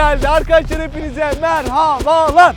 geldi. Arkadaşlar hepinize merhabalar.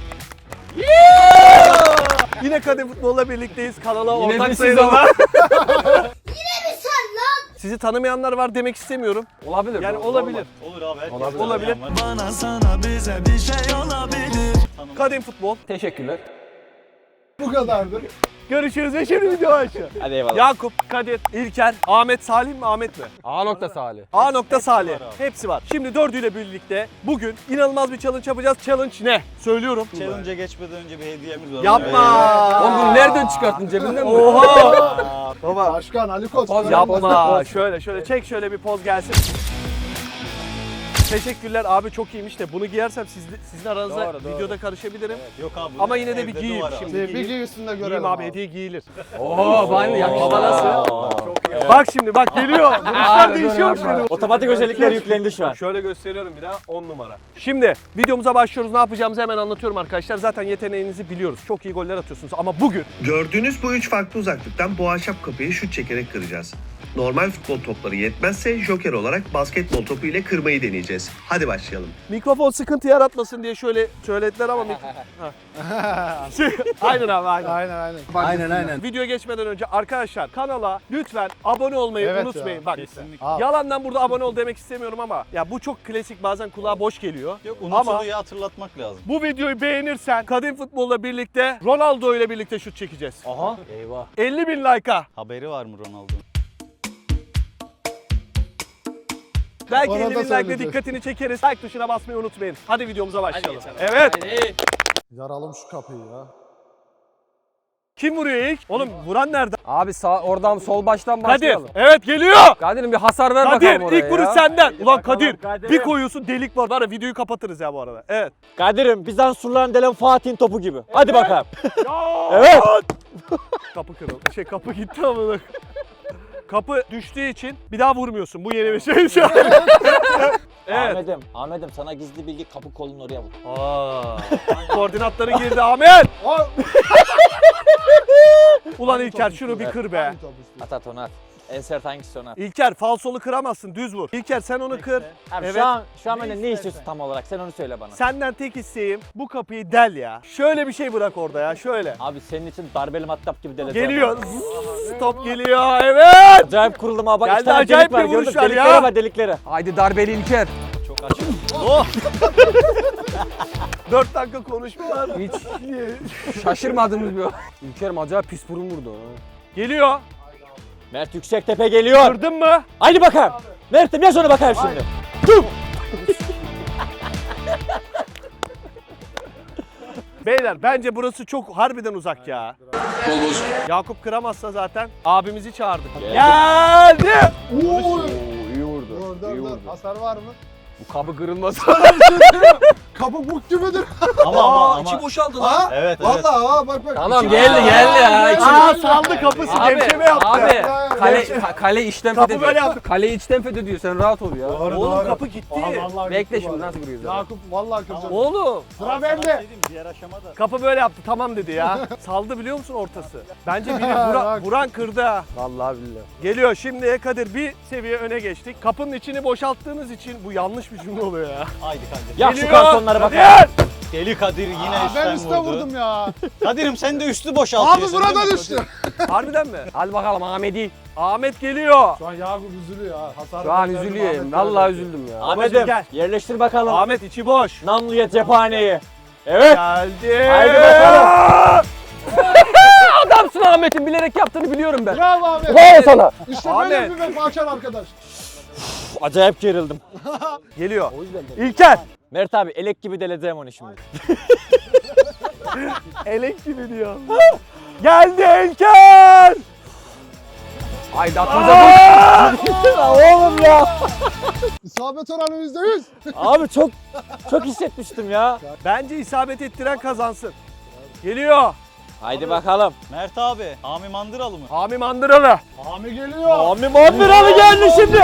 Yine Kadın Futbol'la birlikteyiz. Kanala ortak sayılar. Yine mi sen lan? Sizi tanımayanlar var demek istemiyorum. Olabilir. Yani olabilir. Olur abi. Olabilir. Bana sana bize bir şey olabilir. Kadın Futbol. Teşekkürler. Bu kadardı. Görüşürüz ve şimdi video aşağı. Hadi eyvallah. Yakup, Kadir, İlker, Ahmet, Salih mi Ahmet mi? A nokta Salih. A nokta Salih. Hepsi var. Şimdi dördüyle birlikte bugün inanılmaz bir challenge yapacağız. Challenge ne? Söylüyorum. Challenge'a geçmeden önce bir hediyemiz var. Yapma. Oğlum bunu nereden çıkarttın cebinden mi? Oha. Baba Başkan Ali Koç. Poz yapma. Şöyle çek şöyle bir poz gelsin. Teşekkürler abi, çok iyiymiş de bunu giyersem sizin aranızda Doğru. videoda karışabilirim. Yok abi. Ama yine de bir evde giyeyim duvar abi. şimdi. Bir giy üstünde görelim Giyeyim abi, hediye giyilir. Oo bana yakıştı. Baba nasıl? Bak şimdi bak geliyor. Buruşlar değişiyor şimdi. Otomatik özellikler yüklendi şu an. Şöyle gösteriyorum bir daha, 10 numara. Şimdi videomuza başlıyoruz. Ne yapacağımızı hemen anlatıyorum arkadaşlar. Zaten yeteneğinizi biliyoruz. Çok iyi goller atıyorsunuz ama bugün Gördüğünüz bu 3 farklı uzaklıktan bu ahşap kapıyı şut çekerek kıracağız. Normal futbol topları yetmezse joker olarak basketbol topu ile kırmayı deneyeceğiz. Hadi başlayalım. mikrofon sıkıntı yaratmasın diye şöyle söylediler ama aynen abi aynen. Videoya geçmeden önce arkadaşlar kanala lütfen abone olmayı Evet unutmayın. ya. Bak Kesinlikle. yalandan burada abone ol demek istemiyorum ama ya bu çok klasik, bazen kulağa boş geliyor. Yok, Ama unutuluyu hatırlatmak lazım. bu videoyu beğenirsen Kadın Futbol'la birlikte Ronaldo ile birlikte şut çekeceğiz. Aha. Eyvah. 50.000 like'a. Haberi var mı Ronaldo'nun? Belki Ona da 50.000 like'la söyleyeceğiz. dikkatini çekeriz. Like tuşuna basmayı unutmayın. Hadi videomuza başlayalım. Evet. Yaralım şu kapıyı ya. Kim vuruyor ilk? Oğlum vuran nerede? Abi sağ oradan sol baştan Kadir. başlayalım. Evet geliyor. Kadir'im bir hasar ver Kadir bakalım oraya ilk vuruş ya. senden. Ulan bakalım Kadir Kadir'im. bir koyuyorsun, delik var. Var ya, videoyu kapatırız ya bu arada. Evet. Kadir'im Bizans surlarını delen Fatih'in topu gibi. Hadi bakalım. Evet. Kapı kırıldı. Kapı gitti ama. Kapı düştüğü için bir daha vurmuyorsun. Bu yeni bir şey şu an. Evet. Ahmet'im sana gizli bilgi, kapı kolun oraya vur. Koordinatları girdi Ahmet. Ulan İlker şunu bir kır be. At onu at. En sert hangisi onu at. İlker falsolu kıramazsın, düz vur. İlker sen onu kır. Abi Evet. şu an benden ne istiyorsun tam olarak, sen onu söyle bana. Senden tek isteğim bu kapıyı del ya. Şöyle bir şey bırak orada ya, şöyle. Abi senin için darbeli matkap gibi deleceğim. Geliyor. Top geliyor. Evet. Acayip kuruldum abi. Bak Geldi, iki tane acayip delik var, bir gördün vuruş mü? var Deliklere ya. bak, deliklere. Haydi darbeli İlker. Çok açık. Oh. 4 dakika konuşma var. Hiç şaşırmadığımız bir İlker'im acayip pis burun vurdu. ha. Geliyor. Mert Yüksektepe geliyor. Kırdın mı? Haydi bakalım. Mert'im yaz ona bakayım şimdi. Beyler bence burası çok harbiden uzak ya. Yakup kıramazsa zaten abimizi çağırdık. Geldi. İyi vurdu. Dur. Hasar var mı? Bu kapı kırılmaz. Kapı buk gibidir. Ama içi boşaldı Ha? Evet. Vallahi ha bak. Tamam İçi- geldi ya. Aa saldı kapısı, gevşeme yaptı. Abi kale içten Kapı fethediyor. böyle yaptı. Kale içten fethediyor, sen rahat ol ya. Oğlum kapı gitti. Vallahi Bekle gitti şimdi bu nasıl arada. vuruyoruz? Yakup vallahi kıracağım. Oğlum Sıra bende. Diğer aşamada. kapı böyle yaptı, tamam dedi ya. Saldı biliyor musun ortası? Bence biri vuran kırdı ha. Vallahi billahi. Geliyor şimdi Kadir, bir seviye öne geçtik. Kapının içini boşalttığınız için bu yanlış bir cümle oluyor ya. Haydi Kadir. Yak şu kartonlara bakayım. Kadir! Deli Kadir yine Ben üstten üstte vurdu. vurdum ya. Kadir'im sen de üstü Abi boşaltıyorsun. burada değil mi? düştü. Harbiden mi? Hadi bakalım Ahmet'i. Ahmet geliyor. Şu an Yakup üzülüyor ha. Hasar Şu an verdim, üzülüyor. Ahmet Vallahi verdim. üzüldüm ya. Ahmet'im gel. yerleştir bakalım. Ahmet içi boş. Namluya cephaneyi. Evet. Geldi. Haydi bakalım. Adamsın Ahmet'in, bilerek yaptığını biliyorum ben. Bravo Ahmet. Bravo sana. İşte Ahmet. böyle bir vefakar arkadaş. Acayip gerildim. Geliyor. İlker. Mert abi elek gibi deleceğim onu şimdi. Elek gibi diyor. Geldi İlker. Haydi atmaca dur. Oğlum ya. İsabet oranı %100. Abi çok hissetmiştim ya. Bence isabet ettiren kazansın. Geliyor. Haydi bakalım. Mert abi. Hami Mandıralı mı? Hami Mandıralı. Hami geliyor. Abi Mandıralı geldi şimdi.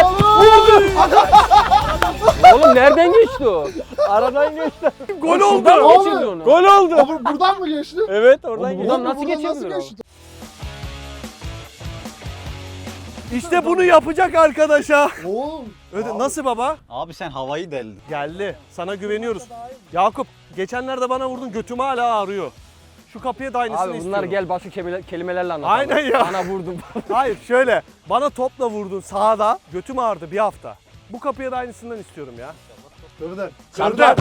Oğlum nereden geçti o? Aradan geçti. Gol oldu. Şuradan mı Abi. geçirdi onu? Gol oldu. Abi buradan mı geçti? Evet oradan Oğlum, geçti. buradan nasıl Buradan geçebilir o? geçti? İşte bunu yapacak arkadaşa. Oğlum. Nasıl baba? Abi sen havayı deldin. Geldi. Sana güveniyoruz. Yakup geçenlerde bana vurdun, götüm hala ağrıyor. Şu kapıya da aynısını Abi bunlar istiyorum. gel başka kelimelerle anlat. Aynen ya. Bana vurdum. Hayır şöyle. Bana topla vurdun sağda. Götüm ağrıdı bir hafta. Bu kapıya da aynısından istiyorum ya. Kırdı. Kırdı.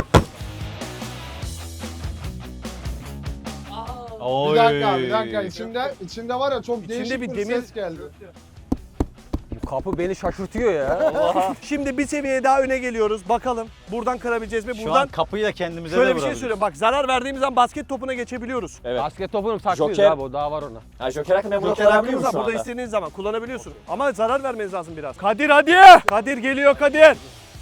Bir dakika, bir dakika. İçinde var ya çok değişik bir bir demir- ses geldi. Bu kapı beni şaşırtıyor ya. Şimdi bir seviye daha öne geliyoruz. Bakalım buradan kırabileceğiz mi? Şu Buradan an kapıyı da kendimize de şöyle bir şey vurabiliriz. söyleyeyim. Bak zarar verdiğimiz an basket topuna geçebiliyoruz. Evet. Basket topunu saklıyoruz Joker. abi, o daha var ona. Ha Joker hakkında bunu Joker kullanabiliyor hakkımız var. musun Burada anda? istediğiniz zaman kullanabiliyorsun. Ama zarar vermeniz lazım biraz. Kadir hadi. Kadir geliyor Kadir.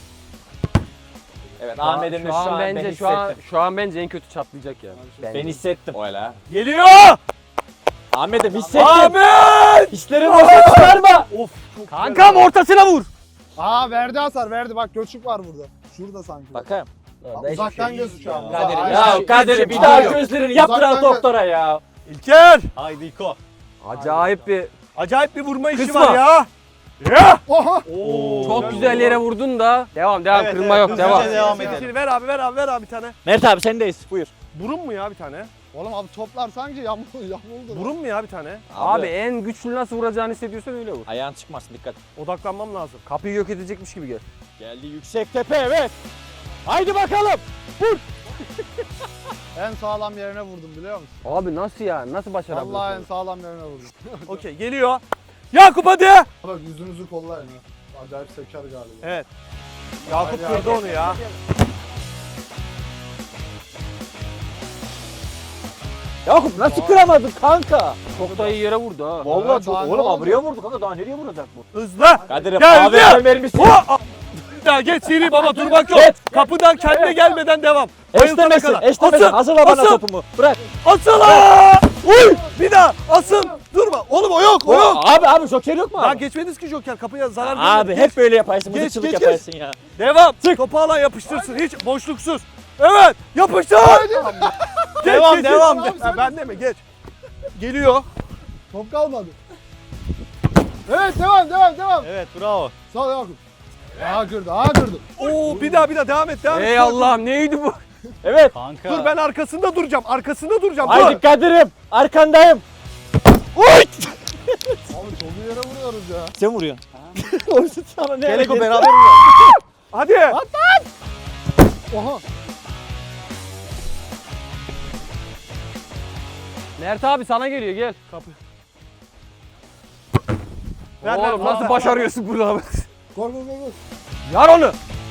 Evet Ahmet'in de Şu an ben bence hissettim. şu an bence en kötü çatlayacak yani. Ben hissettim. Öyle. Geliyor. Ahmet'im hissettim. Ahmet. Hislerin boşa çıkarma. Of. çok Kankam ortasına vur. Aa verdi hasar verdi. Bak göçük var burada. Şurada sanki. Bakayım. Uzaktan gözüküyor ama. Kadir'im Aynen. ya Kadir'im bir şey daha yok. gözlerini yaptıran Uzaktan doktora ya. İlker. Haydi İko. Acayip bir Acayip bir vurma işi Kısma. var ya. Ya. Oha. Oo, çok güzel yere vurdun da. Devam kırılma yok hızlıca devam. devam edelim. Şimdi ver abi bir tane. Mert abi sendeyiz. Buyur. Burun mu ya bir tane? Oğlum abi toplar sanki yamuldu. Burun mu ya bir tane? Abi en güçlü nasıl vuracağını hissediyorsan öyle vur. Ayağın çıkmasın dikkat. Odaklanmam lazım. Kapıyı yok edecekmiş gibi gel. Geldi yüksek tepe evet. Haydi bakalım. En sağlam yerine vurdum biliyor musun? Abi nasıl ya? Nasıl başarabiliyorsun? Vallahi en sağlam yerine vurdum. Okey geliyor. Yakup hadi. Bak yüzünüzü kollayın ha. Acayip seker galiba. Evet. Yakup Hadi, kırdı onu ya. Yakup nasıl kıramadın kanka? Çok da iyi yere vurdu ha. Vallahi Evet, çok daha ne oğlum oldu? abriye vurdu kanka daha nereye vuracak bu? Hızlı. Kadir'im Geldi. abi vermişsin. Ya geç seri baba durmak yok. Evet. Kapıdan kendine gelmeden devam. Bayıltana Eşlemesin, kadar. eşlemesin. Asıl, Hazırla bana asıl. topumu. Bırak. Asıl ha! Uy! Bir daha asıl. Durma. Oğlum o yok o yok. Abi Joker yok mu Daha abi? geçmediniz ki Joker. Kapıya zarar Abi vermedi. hep böyle yaparsın. Geç, Mızıkçılık geç, yaparsın ya. Devam. Topu alan yapıştırsın. Hiç boşluksuz. Evet. Yapıştır. Geç, Devam, geç, devam. geç. Ha, ben de mi? Geç. Geliyor. Top kalmadı. Evet devam. Evet bravo. Sağ ol Yakup. Aha kırdı. Oo bir daha devam et. Ey Allah'ım neydi bu? Evet. Kanka. Dur ben arkasında duracağım. Haydi Dur. Kadir'im. Arkandayım. Abi çok iyi yere vuruyoruz ya. Sen vuruyorsun. Sana ne Gel İko hareket? beraber vuralım. Hadi. Oha. Mert abi sana geliyor gel. Kapı. Ver, ver, Oğlum nasıl ver. başarıyorsun bunu abi? Gol. Yar onu.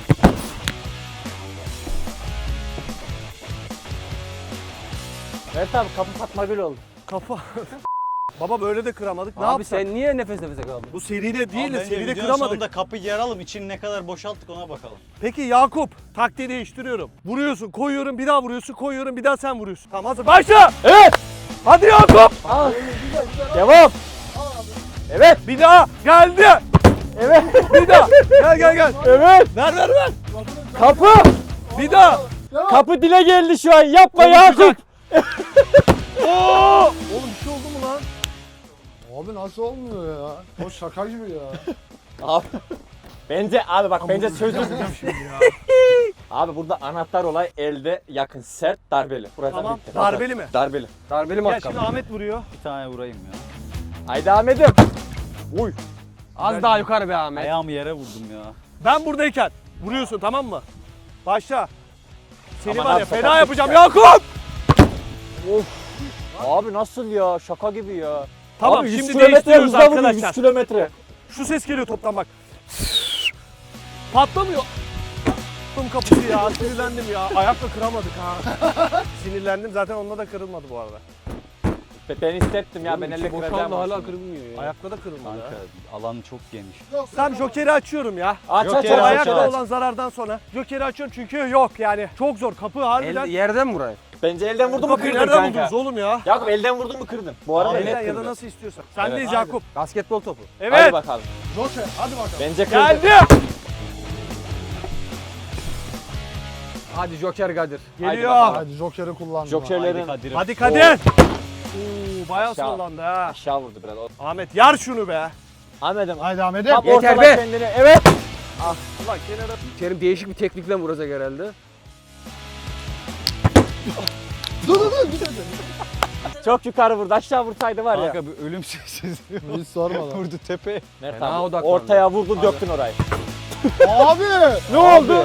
Evet abi kapı Fatma Gül oldu. Kafa. Baba böyle de kıramadık. Ne Abi yapsak? sen niye nefes nefese kaldın? Bu seride Abi değil de bence seride videonun kıramadık. sonunda kapıyı yaralım. İçini ne kadar boşalttık ona bakalım. Peki Yakup taktiği değiştiriyorum. Vuruyorsun, koyuyorum, bir daha vuruyorsun, koyuyorum, bir daha sen vuruyorsun. Tamam hazır. Başla! Evet. Hadi Yakup! Devam. Evet. Bir daha geldi. Evet. Bir daha. Gel. Evet. Ver. Kapı. Bir daha. Kapı dile geldi şu an. Yapma Yakup. Oo! Oğlum bir şey oldu mu lan? Abi nasıl olmuyor ya? O şaka gibi ya. Abi. Bence abi bak bence çözdüm. Abi burada anahtar olay elde yakın sert darbeli. Burası Tamam. bitti. Darbeli mi? Darbeli. Darbeli Gel matkap. şimdi Ahmet vuruyor. Bir tane vurayım ya. Haydi Ahmet'im. Uy. Az daha yukarı be Ahmet. Ayağımı yere vurdum ya. Ben buradayken vuruyorsun tamam mı? Başla. Seni Aman var ya abi, fena sakatlık yapacağım ya. Yakup! Abi nasıl ya? Şaka gibi ya. Tamam abi, 100 şimdi kilometre değiştiriyoruz hızla vuruyor, arkadaşlar. 100 kilometre. Şu ses geliyor toptan bak. Patlamıyor. Kapısı ya sinirlendim ya. Ayakla kıramadık ha. Sinirlendim zaten onunla da kırılmadı bu arada. Ben hissettim ya ben elle Boşaldı kıracağım. hala aslında. kırılmıyor ya. Ayakla da kırılmadı Kanka ha. alan çok geniş. Tamam Joker'i açıyorum ya. Aç aç Joker, aç. Ayakla aç. olan zarardan sonra Joker'i açıyorum çünkü yok yani. Çok zor kapı harbiden. Yerden mi burayı? Bence elden vurdun mu Kapıyı kırdın nereden kanka. buldunuz oğlum ya? Yakup elden vurdun mu kırdın. Bu arada Elden net ya da kırdın. nasıl istiyorsan. Sendeyiz Evet. Yakup. Basketbol topu. Hadi Evet. bakalım. Joker hadi bakalım. Bence kırdın. Geldi. Hadi Joker Kadir. Geliyor. bakalım. Hadi Joker'i kullandım. Jokerlerin Kadir'im. Hadi Kadir. Oo, bayağı Aşağı. sallandı ha. aşağı vurdu biraz. Ahmet yar şunu be. Ahmet'im. Haydi Ahmet'im. Kap Yeter ortada be. kendini. Evet. Ulan kenara. İlker'im değişik bir teknikle vuracak herhalde. Dur. Çok yukarı vurdu. Aşağı vursaydı var ya. Kanka bir ölüm sessizliği Hiç sorma lan. vurdu tepeye. Mert Fena abi odaklandı. ortaya vurdun döktün orayı. Abi. Ne oldu?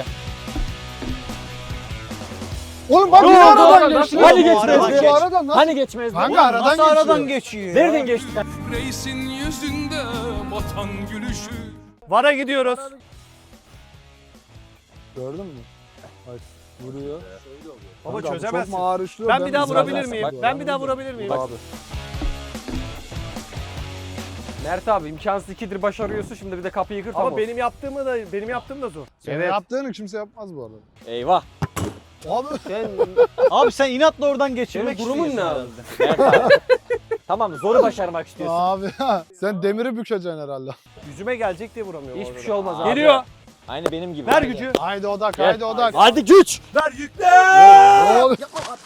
Oğlum bak Ne yine oldu? aradan geçti. Hani Bu geçmezdi? aradan nasıl? Hani geçmezdi? Kanka aradan geçiyor. Nereden geçti? Reisin yüzünde batan gülüşü. VAR'a gidiyoruz. Gördün mü? Bak vuruyor. Baba Kanka, bu çözemezsin. Çok mağar işliyor. Ben bir daha müsaade vurabilir edersen miyim? bak. Ben bir daha vurabilir miyim? Abi. Mert abi imkansız ikidir başarıyorsun, şimdi bir de kapıyı kır tamam. Ama benim yaptığım da zor. Senin yaptığını kimse yapmaz bu arada. Eyvah. Abi. Abi sen inatla oradan Senin geçirmek durumun ne istiyorsun abi? herhalde. Mert abi. Tamam zoru başarmak istiyorsun. Abi sen demiri bükeceksin herhalde. Yüzüme gelecek diye vuramıyorum. Hiçbir orada. şey olmaz abi. Geliyor. Aynı benim gibi. Ver gücü. Haydi odak, Gel. haydi odak. Hadi güç. Ver yükle. Ne oluyor?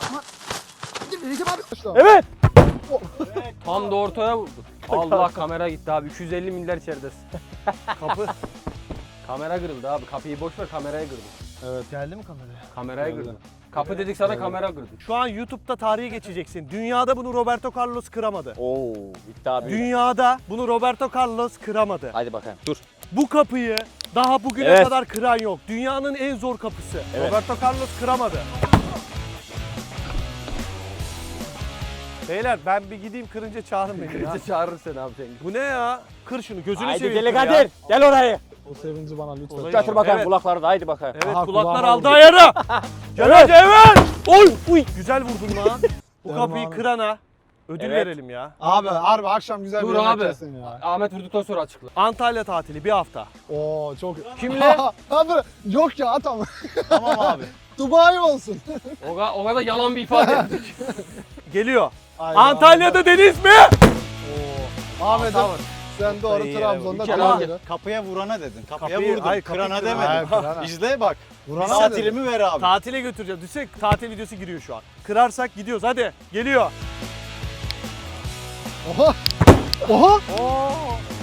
Evet. Tam da ortaya vurdu. Allah kamera gitti abi. 250 milyar içeridesin. Kapı. Kamera kırıldı abi. Kapıyı boş ver, kameraya kırdı. Evet. Geldi mi kameraya? Kameraya kırdı. Kapı dedik sana, kamera kırdı. Şu an YouTube'da tarihe geçeceksin. Dünyada bunu Roberto Carlos kıramadı. Oo, iddia büyük. Dünyada bunu Roberto Carlos kıramadı. Hadi bakalım. Dur. Bu kapıyı daha bugüne Evet. kadar kıran yok. Dünyanın en zor kapısı. Evet. Roberto Carlos kıramadı. Beyler ben bir gideyim kırınca çağırın beni ya. Bizi çağırır seni abi sen. Bu ne ya? Kır şunu gözünü Haydi seveyim. Deli kır ya. Kadir. Gel orayı. O sevinci bana lütfen. Olayı- Götür bakalım Evet. kulakları da haydi bakalım. Evet Aha, kulaklar kulağıma aldı vurdu. ayarı. Gel evet. Oy uy. Güzel vurdun lan. Bu Tamam kapıyı abi. kırana ödül Evet. verelim ya. Abi harbi akşam güzel Dur bir yemek abi. yersin ya. Ahmet vurduktan sonra açıkla. Antalya tatili bir hafta. Oo çok. Kimle? Abi yok ya at ama. Tamam abi. Dubai olsun. O kadar yalan bir ifade. Geliyor. Haydi Antalya'da deniz mi? Oo. Ahmet'im sen doğru iyi Trabzon'da yere tamam bak. dedi. Kapıya vurana dedin. Kapıya Kapıyı- vurdun. hayır, kapıyı Kırana kırana. demedin. Hayır, kırana. İzle bak. Vurana dedi. Tatilimi ver abi. Tatile götüreceğim. Düşsek tatil videosu giriyor şu an. Kırarsak gidiyoruz hadi. Geliyor. Oha. Oha. Oo.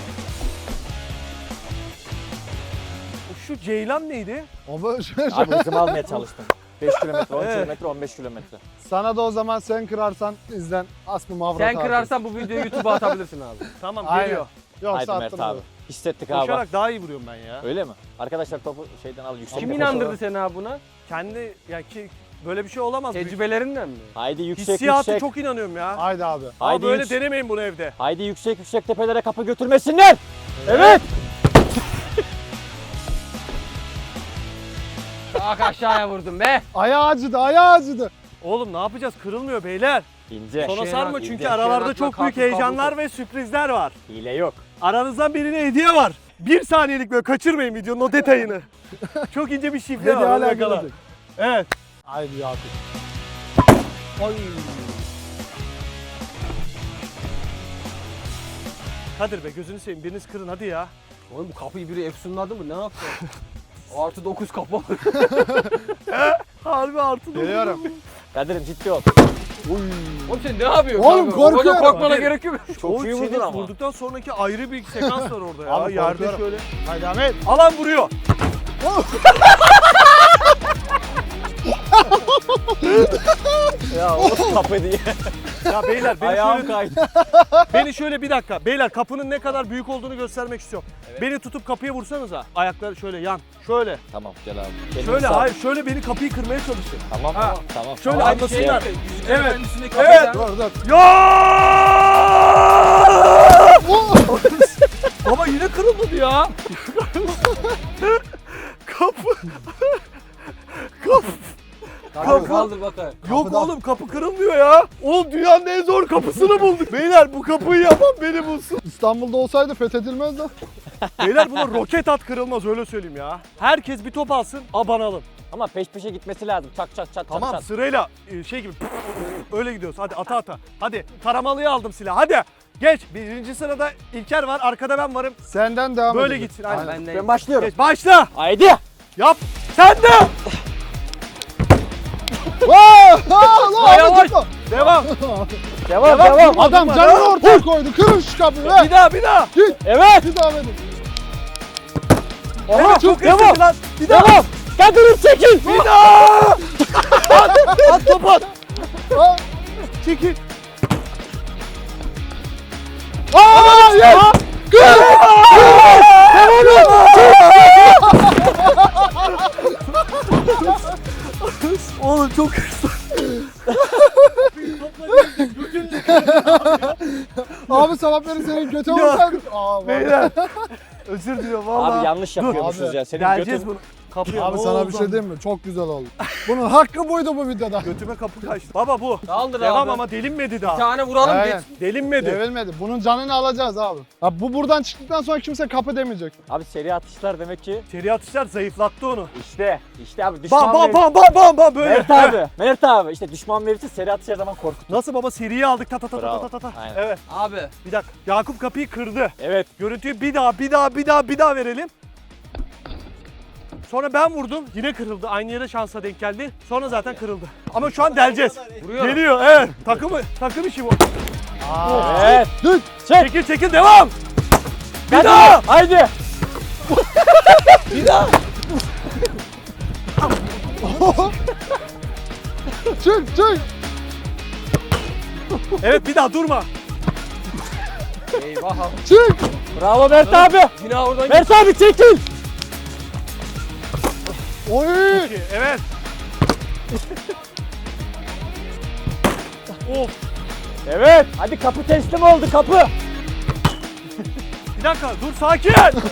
Şu Ceylan neydi? Abi şöyle- Abi hızımı almaya çalıştım. 5 kilometre, 10 Evet. kilometre, 15 kilometre. Sana da o zaman sen kırarsan izlen Aslı Mavrat Sen abi. kırarsan bu videoyu YouTube'a atabilirsin abi. Tamam Aynen. geliyor. Yoksa Haydi Mert attım abi. Hissettik abi. Koşarak daha iyi vuruyorum ben ya. Öyle mi? Arkadaşlar topu şeyden al yüksek. Kim bir inandırdı koşu. seni abi buna? Kendi ya ki böyle bir şey olamaz. Tecrübelerinden mi? Haydi yüksek Hissiyatı yüksek. çok inanıyorum ya. Haydi abi. Ama Haydi böyle yüksek. denemeyin bunu evde. Haydi yüksek yüksek tepelere kapı götürmesinler. Evet. Bak aşağıya vurdum be. Ayağı acıdı, ayağı acıdı. Oğlum ne yapacağız? Kırılmıyor beyler. İnce. Sona Şeyin sarma at- çünkü şeyin aralarda atma, çok büyük kablo, heyecanlar kablo. ve sürprizler var. Hile yok. Aranızdan birine hediye var. 1 saniyelik böyle kaçırmayın videonun o detayını. Çok ince bir şifre Hadi var. hala Hala gelecek. Evet. Haydi Yakup. Kadir be gözünü seveyim biriniz kırın hadi ya. Oğlum bu kapıyı biri efsunladı mı? Ne yaptı? Artı 9 kapı. Harbi artı da. Geliyorum. Kadir'im ciddi ol. Oğlum sen ne yapıyorsun? Oğlum, abi? korkuyorum. O kadar korkmana Hadi. gerek yok. Çok iyi vurdun Senin ama. vurduktan sonraki ayrı bir sekans var orada ya. Abi Yerde korkuyorum. şöyle. Haydi Ahmet. Alan vuruyor. Ya o kapı diye. Ya beyler beni Ayağım şöyle, kaydı. beni şöyle bir dakika. Beyler kapının ne kadar büyük olduğunu göstermek istiyorum. Beni tutup kapıya vursanıza. Ayakları şöyle yan. Şöyle. Tamam gel abi. Kendini Şöyle sal. hayır şöyle beni kapıyı kırmaya çalışın. Tamam Ha. tamam. Şöyle Tamam. anlasınlar. Evet. Evet. Evet. Dur dur. Ya! Baba yine kırılmadı ya. Kapı. Kaldır bakalım. Yok Kapıda. oğlum kapı kırılmıyor ya. Oğlum dünyanın en zor kapısını bulduk. Beyler bu kapıyı yapan beni bulsun. İstanbul'da olsaydı fethedilmezdi. Beyler buna roket at kırılmaz öyle söyleyeyim ya. Herkes bir top alsın abanalım. Ama peş peşe gitmesi lazım. Çak çak çak Tamam çak. sırayla şey gibi öyle gidiyoruz. Hadi ata ata. Hadi taramalıyı aldım silah. Hadi. Geç. Birinci sırada İlker var. Arkada ben varım. Senden devam Böyle edeceğiz. gitsin. Aynen. Ben de Ben başlıyorum. Geç. Başla. Haydi. Yap. Sen de. Vaa! Aa, lan Yavaş. Ahmet tutma. Devam. Devam. Adam canını ortaya koydu. Kırın şu kapıyı. Ver. Bir daha. Evet. Bir daha verin. Aha, Çok devam. hızlı lan. Bir daha. Devam. Kadını çekil. Bir daha. At topu at. Ha. Çekil. Aa, yes. Oğlum çok hızlı. Abi sabahları senin götü olsaydık. Aa, Beyler. Özür diliyorum valla. Abi yanlış yapıyormuşuz Abi, ya. Senin Geleceğiz götün... bunu. Kapıya Abi ne sana oldu? bir şey diyeyim mi? Çok güzel oldu. Bunun hakkı buydu bu videoda. Götüme kapı kaçtı. Baba bu. Kaldır Devam abi. ama delinmedi Bir daha. tane vuralım Aynen. geç. Delinmedi. Devilmedi. Bunun canını alacağız abi. Abi bu buradan çıktıktan sonra kimse kapı demeyecek. Abi seri atışlar demek ki Seri atışlar zayıflattı onu. işte abi düşman Bam böyle. Mert abi işte düşman verirse seri atış her zaman korkut. Nasıl baba seriyi aldık ta ta ta Bravo. ta ta ta. Aynen. Evet. Abi. Bir dakika. Yakup kapıyı kırdı. Evet. Görüntüyü bir daha verelim. Sonra ben vurdum. Yine kırıldı. Aynı yere şansa denk geldi. Sonra zaten kırıldı. Ama şu an deleceğiz. Vuruyorum. Geliyor. Evet. Takım işi bu. Evet. Çekil devam. Bir Hadi. daha. Haydi. Çık. Evet bir daha durma. Eyvah abi. Çık. Bravo Mert abi. Yine oradan Mert abi çekil. Oy. İki, evet. Of. Evet. Hadi kapı teslim oldu kapı. Bir dakika dur sakin.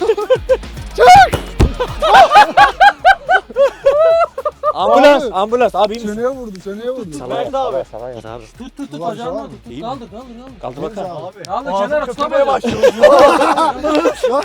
Ambulans, Abi. ambulans. Abi iyi misin? Çeneye vurdu. Mert abi. tut Ulan, bacağını sağ ol. tut. Kaldır. Kaldı bakalım. Kaldır Ağzım kenara köpürmeye tutamayacağım. başlıyor.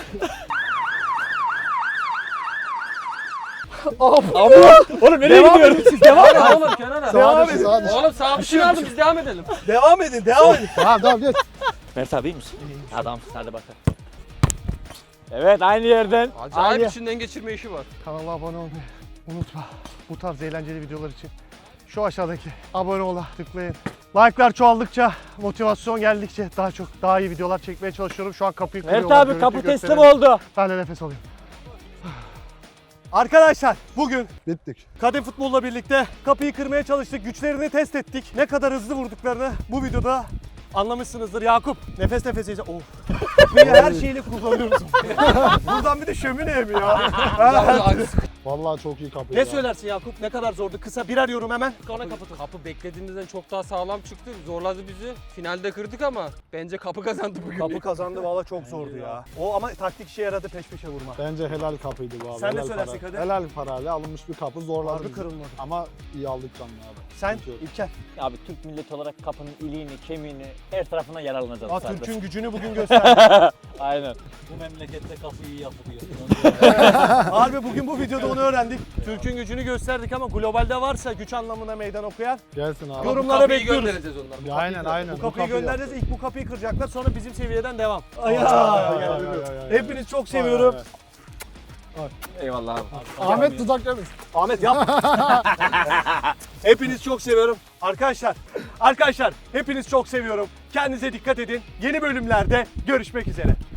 Oğlum nereye Devam gidiyorsun? edin siz devam edin. Oğlum kenara. Sağa edin. düş, sağa düş. Oğlum sağ bir şey aldım biz devam edelim. Devam edin. Tamam geç. Mert abi iyi misin? Adamsın hadi bakalım. Evet aynı yerden. Acayip Aynı. içinden geçirme işi var. Kanala abone olmayı unutma. Bu tarz eğlenceli videolar için şu aşağıdaki abone ola tıklayın. Like'lar çoğaldıkça, motivasyon geldikçe daha iyi videolar çekmeye çalışıyorum. Şu an kapıyı Mert kırıyorlar. abi kapı görüntüyü teslim gösterelim. oldu. Ben de nefes alayım. Arkadaşlar bugün Bittik. kadın futbolla birlikte kapıyı kırmaya çalıştık. Güçlerini test ettik. Ne kadar hızlı vurduklarını bu videoda anlamışsınızdır. Yakup nefes nefeseyiz. Of. Kapıyı her şeyle kullanıyoruz. Buradan bir de şömine mi ya? Vallahi çok iyi kapı. Ne söylersin Yakup? Ne kadar zordu? Kısa birer yorum hemen. Sonra kapı beklediğimizden çok daha sağlam çıktı. Zorladı bizi. Finalde kırdık ama bence kapı kazandı bugün. Kapı kazandı valla çok zordu ya. O ama taktik işe yaradı peş peşe vurma. Bence helal kapıydı bu abi. Sen ne helal söylersin para. Kadir? Helal parayla alınmış bir kapı zorladı Harbi bizi. kırılmadı. Ama iyi aldık canını abi. Sen Sıkıntı yok. İlker. Abi Türk milleti olarak kapının iliğini, kemiğini her tarafına yararlanacağız. Aa, zaten. Türk'ün gücünü bugün gösterdi. Aynen. Bu memlekette kapıyı iyi yapılıyor. Harbi bugün bu videoda onu öğrendik. Türk'ün gücünü gösterdik ama globalde varsa güç anlamına meydan okuyan Gelsin abi. yorumlara Kapıyı bekliyoruz. göndereceğiz onlara. Aynen. Bu kapıyı göndereceğiz. İlk bu kapıyı kıracaklar. Sonra bizim seviyeden devam. Ay. Hepiniz çok seviyorum. Eyvallah abi. Ahmet tutak demiş. Ahmet yap. Hepiniz çok seviyorum. Arkadaşlar hepiniz çok seviyorum. Kendinize dikkat edin. Yeni bölümlerde görüşmek üzere.